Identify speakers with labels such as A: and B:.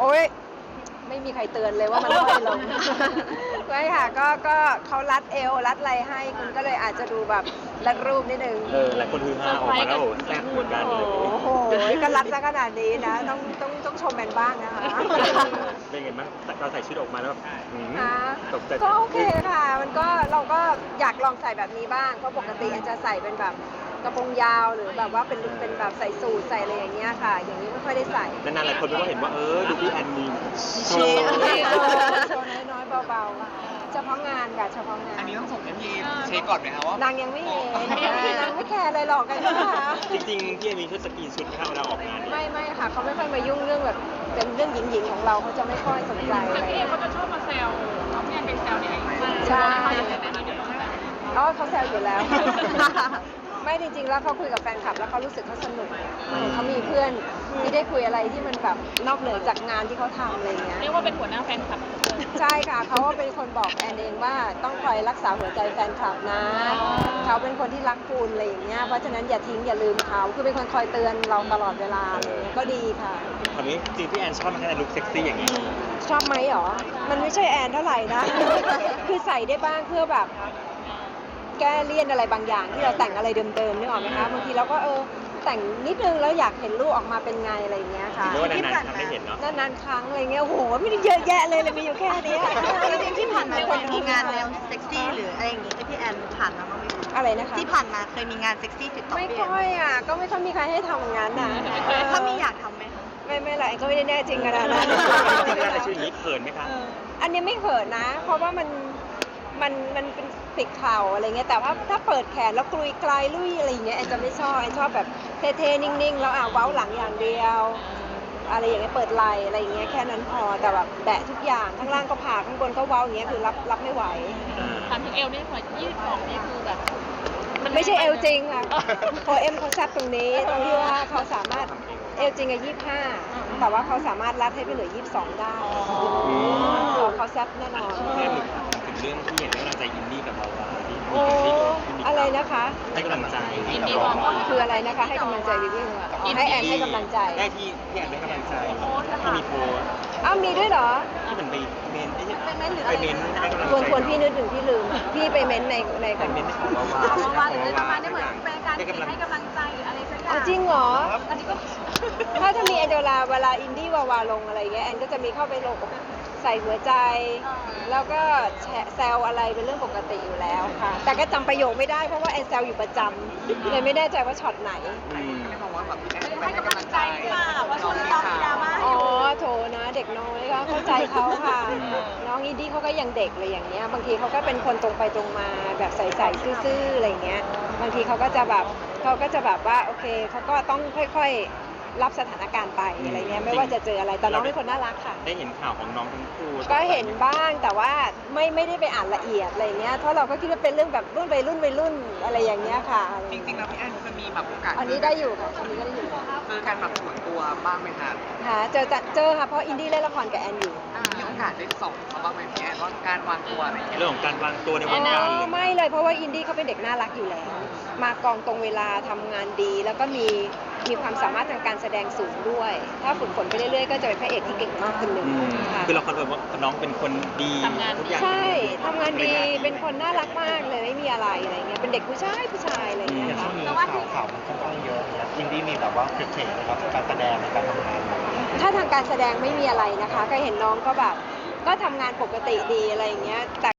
A: โอ๊ยไม่มีใครเตือนเลยว่ามันไม่ลง ไม่ค่ะก็เขารัดเอวรัดอะไรให้คุณก็เลยอาจจะดูแบบรัดรูปนิดนึง
B: หลายคนฮือฮาออกมาแล้วโอ้แซ่บเหมือนกันเลย
A: โอ้โหก็รัดซะขนาดนี้นะต้องชมแมนบ้างนะคะ
B: เป็นไงบ้างเราใส่ชุดออกมาแล้วแบบตกใจ
A: ก็โอเคค่ะมันก็เราก็อยากลองใส่แบบนี้บ้างเพราะปกติแอนจะใส่เป็นแบบกระโปรงยาวหรือแบบว่าเป็นแบบใส่สูทใส่อะไรอย่างเงี้ยค่ะ อย่างนี้ไม่ค่อยได้ใส่
B: นานๆหลายคนก็เห็นว่าดูพี่แอนมีโชว์
A: โชว์น้อยๆเบาๆเฉพาะงานค่ะเฉพาะงาน
C: อันนี้ต้องส่งให้พี่เช็คก่อนไหมครับว่าน
A: างยังไม่เห็นนางไม่แคร์อะไรหรอกกันนะคะ
B: จริงๆพี่แอนมีชุดสกรีนชุดไหมครับเวลาออกงาน
A: ไม่ค่ะเขาไม่ค่อยมายุ่งเรื่องแบบเป็นเรื่องหญิงๆของเราเขาจะไม่ค่อยสนใจ
D: แต่
A: อะไร
D: พี่เอเขาจะชอบมาแซวน้องพี่แอนเป็นแซวเนี่ย
A: ใช่
D: เดี๋ยวน้องแซว
A: อ๋อเขาแซวอยู่แล้ว ไม่จริงๆแล้วเขาคุยกับแฟนคลับแล้วเขารู้สึกเขาสนุกเขามีเพื่อนที่ได้คุยอะไรที่มันแบบนอกเหนือจากงานที่เขาทำอะไรอย่างเงี้ย
D: เรียกว่าเป็นหัวหน้าแฟนคลับ
A: ใช่ค่ะเขาก็เป็นคนบอกแอนเองว่าต้องคอยรักษาหัวใจแฟนคลับนะเขาเป็นคนที่รักคุณอะไรอย่างเงี้ยเพราะฉะนั้นอย่าทิ้งอย่าลืมเขาคือเป็นคนคอยเตือนเราตลอดเวลาก็ดีค่ะ
B: คราวนี้จริงพี่แอนชอบมาแค่ในลุคเซ็กซี่อย่างนี้
A: ชอบไหมหรอมันไม่ใช่แอนเท่าไหร่นะ คือใส่ได้บ้างเพื่อแบบแก้เลี่ยนอะไรบางอย่างที่เราแต่งอะไรเดิมๆนึกออกไหมคะบางทีเราก็แต่งนิดนึงแล้วอยากเห็นลูกออกมาเป็นไงอะไรอย่างเงี้ยค่ะ
B: หรือว่านานๆทำให้เห็นเนาะ
A: นานๆครั้งอะไรเงี้ยโอ้โหไม่ได้เยอะแยะเลยมีอยู่แค่เนี้ย
E: จริงๆที่ผ่านมาเคยมีงานแนวเซ็กซี่หรืออะไรอย่างงี้ที่พี่แอนผ่านมาบ้างไหมคะ
A: อะไรนะคะ
E: ที่ผ่านมาเคยมีงานเซ็กซี่ติดต่อ
A: ไม่
E: พี่แอน
A: ค่อยอ่ะก็ไม่ค่อยมีใครให้ทำอย่างนั้นนะ
E: ถ้ามีอยากทำไหมคะ
A: ไม่หรอกก็ไม่ได้แน่จริงขนาดนั้น
B: เวลาใส่ชุดอย่างนี้เขินไหมคะ
A: อันนี้ไม่เขินนะ เพราะว่ามันเป็นปิดเข่าอะไรเงี้ยแต่ว่าถ้าเปิดแขนแล้วกลุยกลายลุยอะไรอย่างเงี้ยแอนจะไม่ชอบแอนชอบแบบเท่ๆนิ่งๆแล้วเว้าหลังอย่างเดียว อะไรอย่างเงี้ยเปิดไหล่อะไรอย่างเงี้ยแค่นั้นพอแต่แบบแบะทุกอย่างข้างล่างก็ผ่าข้างบนก็เว้าอย่างเงี้ยคือรับไม่ไหว
D: ถามถึงเอลนี่หัว22นี่คือแบบ
A: มันไม่ใช่เอลจริงค่ะโอเอ็มเขาแซบตรงนี้ตรงที่ว่าเขาสามารถเอลจริงอะ25แต่ว่าเขาสามารถรัดให้ไปเหลือ22ได้เขาแซบแน่นอน
B: แค่หนึ่งถึงเรื่องที่เห็นให้กำลังใจอินดี้กับเราที่
A: โอ้อะไรนะคะ
B: ให้กำลังใจ
D: อินดี้วางว่า
A: คืออะไรนะคะให้กำลังใจวิวี่ให้แอนให้กำลังใจ
B: ได้ที่พี่แอนให้กำลังใจที่มีโพส
A: อ้าวมีด้วยเหรอ
B: ที่เหมือนไปเมนไปเมนให้กำลังใจ
A: ควรพี่นึกถึงพี่ลืมพี่ไปเม้นใน
B: ไปเมนของวาวา
D: เพราะว่าหรือประมาณนี้เหมือนเป็นการให้กำลังใจหรืออะไรสักอย่าง
A: จริงเหรอ
D: อันนี้ก็
A: ถ้ามีแอนเวลาอินดี้วาวาลงอะไรเงี้ยแอนก็จะมีเข้าไปลงใส่หัวใจ แล้วก็แซวอะไรเป็นเรื่องปกติอยู่แล้วค่ะ แต่ก็จำประโยคไม่ได้เพราะว่าแอนแซวอยู่ประจำเลยไม่แน่ใจว่าช็อตไหน
C: ไม่บอกว่าแบบพี่แอนไป
D: ให้
C: ให้
D: กำ
C: กำ
D: ลั
C: ลั
D: ง
C: ง
D: ใจ
C: ใจ
D: ค่ะเพราะช่วงนี้ต้องมีดราม่า
A: อ๋อโถนะเด็กน้อยก็เข้าใจเขาค่ะ น้องอินดี้เขาก็ยังเด็กเลยอย่างเงี้ยบางทีเขาก็เป็นคนตรงไปตรงมาแบบใสๆซื่อๆอะไรเงี้ยบางทีเขาก็จะแบบว่าโอเคเขาก็ต้องค่อยๆรับสถานการณ์ไปอะไรเงี้ยไม่ว่าจะเจออะไรแต่น้องเป็นคนน่ารักค่ะ
B: ได้เห็นข่าวของน้องทั้งคู่
A: ก็เห็นบ้างแต่ว่าไม่ได้ไปอ่านละเอียดอะไรเงี้ยเพราะเราก็คิดว่าเป็นเรื่องแบบรุ่นวัยรุ่นอะไรอย่างเงี้ยค่ะ
C: จริงๆแล้วพี่แอนเคยมีแบบโอกาส
A: อันนี้ได้อยู่ค่ะอันนี้ก็ได้อยู่
C: เจอกันแบบส่วนตัวบ้างไหมคะ
A: ค่ะเจอค่ะเพราะอินดี้เล่นละครกับแอนอยู่
C: มีโอกาสได้ส่องเขาบ้างไหมพี่แอนว่าการวางตัวอะไรอย่างเงี้ย
B: เรื่องของการวางตัวในว
A: อ๋
B: งการ
A: อไม่เลยเพราะว่าอินดี้เขาเป็นเด็กน่ารักอยู่แล้ว มากองตรงเวลาทำงานดี แล้วก็มีความสามารถทางการแสดงสูงด้วย ถ้าฝึกฝนไปเรื่อยๆก็จะเป็นพระเอกที่เก่งมากคนหนึ่งค่ะ
B: คือเราคอนเฟิร์มว่าน้องเป็นคนดีทุกอย่าง
A: ใช่ทำงานดีเป็นคนน่ารักมากเลยไม่มีอะไรอะไรเงี้ยเป็นเด็กผู้ชายอะไรเงี้ยค่ะ
F: ข่าวมันค่อนข้างเยอะนะอินดี้มีแบบว่าเฉยๆนะครับการแสดงในการทำงาน
A: ถ้าทางการแสดงไม่มีอะไรนะคะก็เห็นน้องก็แบบก็ทำงานปกติดีอะไรอย่างเงี้ยแต่